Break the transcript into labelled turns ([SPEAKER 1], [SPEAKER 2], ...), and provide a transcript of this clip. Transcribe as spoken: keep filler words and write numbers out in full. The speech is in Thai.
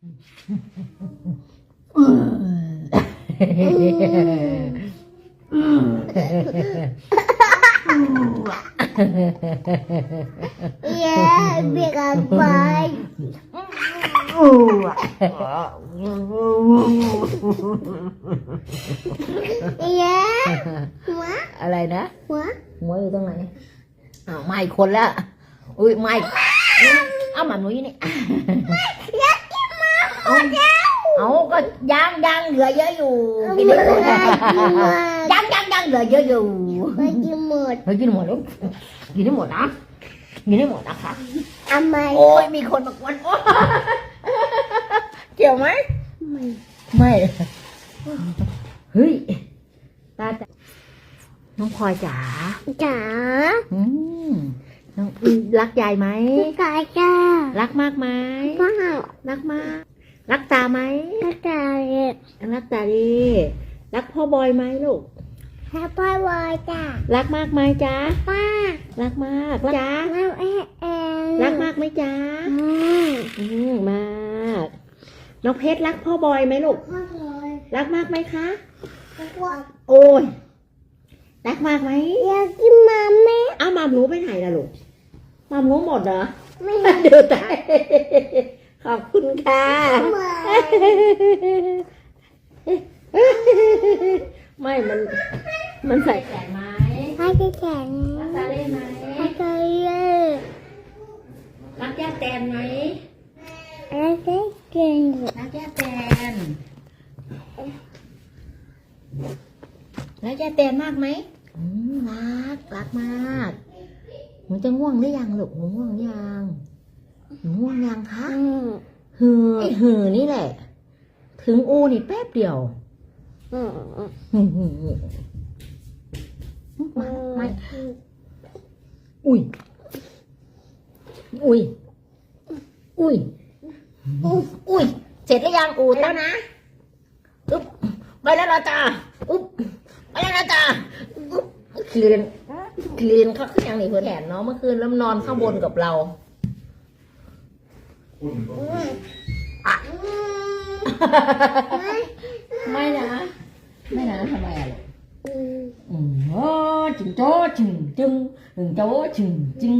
[SPEAKER 1] Ya, biar apa? Iya. หัว
[SPEAKER 2] อะไรนะ
[SPEAKER 1] หัว
[SPEAKER 2] หัวอยู่ตรงไหนอ้าวไม่คนละอุ้ยไม่เอาหมาหนูนี่
[SPEAKER 1] อยากกินมา
[SPEAKER 2] เอาเอาก็ยังยังเหลือเยอะอยู่กิน
[SPEAKER 1] ไม่
[SPEAKER 2] ได้หมด
[SPEAKER 1] ได้กินหมด
[SPEAKER 2] ยังยังยังเหลือเยอะอยู่
[SPEAKER 1] ไม่กินหมด
[SPEAKER 2] เฮ้ยกินหมดแล้วกินได้หมดนะกินได้หมดนะคะ
[SPEAKER 1] ทำไม
[SPEAKER 2] โอ้ยมีคนมากวนโอ๊ยเกี่ยวไหม
[SPEAKER 1] ไม่
[SPEAKER 2] ไม่เฮ้ยตาจ๋าน้องพลอยจ๋า
[SPEAKER 1] จ๋า
[SPEAKER 2] อืมน้องรักยายไหม
[SPEAKER 1] กายจ้า
[SPEAKER 2] รักมากไหม
[SPEAKER 1] ป้า
[SPEAKER 2] รักมาก รักตาไหม
[SPEAKER 1] กาย
[SPEAKER 2] รักตาดีรักพ่อบอยไหมลูก
[SPEAKER 1] แฮปปี้วายจ้า
[SPEAKER 2] รักมากไหมจ๊ะ
[SPEAKER 1] ป้า
[SPEAKER 2] รักมากจ๊ะ
[SPEAKER 1] แล้วเอ๊ะเอ๊ะ
[SPEAKER 2] รักมากไหมจ๊ะ
[SPEAKER 1] อืม
[SPEAKER 2] อืมมากน้องเพชรรักพ่อบอยไหมลูก
[SPEAKER 1] มากเลย
[SPEAKER 2] รักมากไหมคะ
[SPEAKER 1] ว่า
[SPEAKER 2] โอ้ยรักมากไหม
[SPEAKER 1] อยากกินมาแม่
[SPEAKER 2] อ้าวมามรู้ไปไหนล่ะลูกมามรู้หมดเหรอ
[SPEAKER 1] ไม่
[SPEAKER 2] ดูตายขอบคุณค่ะ ไม่ มัน มันใส่แขนไหม
[SPEAKER 1] ให้จะแข็ง
[SPEAKER 2] รักตาได้ไหม
[SPEAKER 1] ให้จะเยอะ
[SPEAKER 2] รักย่าแตนไหม
[SPEAKER 1] ให้จะเก่ง
[SPEAKER 2] รักย่าแตนรักย่าแตนมากไหมอืมรัก รักมากหนูจะง่วงหรือยังลูกหนูง่วงหรือยังหนูง่วงยังคะ
[SPEAKER 1] อืม
[SPEAKER 2] หือไอ้หือนี่แหละ ถึงอูนี่แป๊บเดียว
[SPEAKER 1] อืม
[SPEAKER 2] หือหือหือมามาอุ้ย อุ้ย อุ้ย อุ้ย เสร็จหรือยังอูดแล้วนะอุ๊บไปแล้วนะจ้าอุ๊บไปแล้วนะจ้าอุ๊บคลีนคลีนเขาขึ้นอย่างนี้เพื่อนแหนเนาะเมื่อคืนแล้วนอนข้างบนกับเรา ไม่นะ ไม่นะทำไมอ่ะลูก
[SPEAKER 1] อืม
[SPEAKER 2] อืมโอ้จึงโจ้จึงจึงจึงโจ้จึงจึง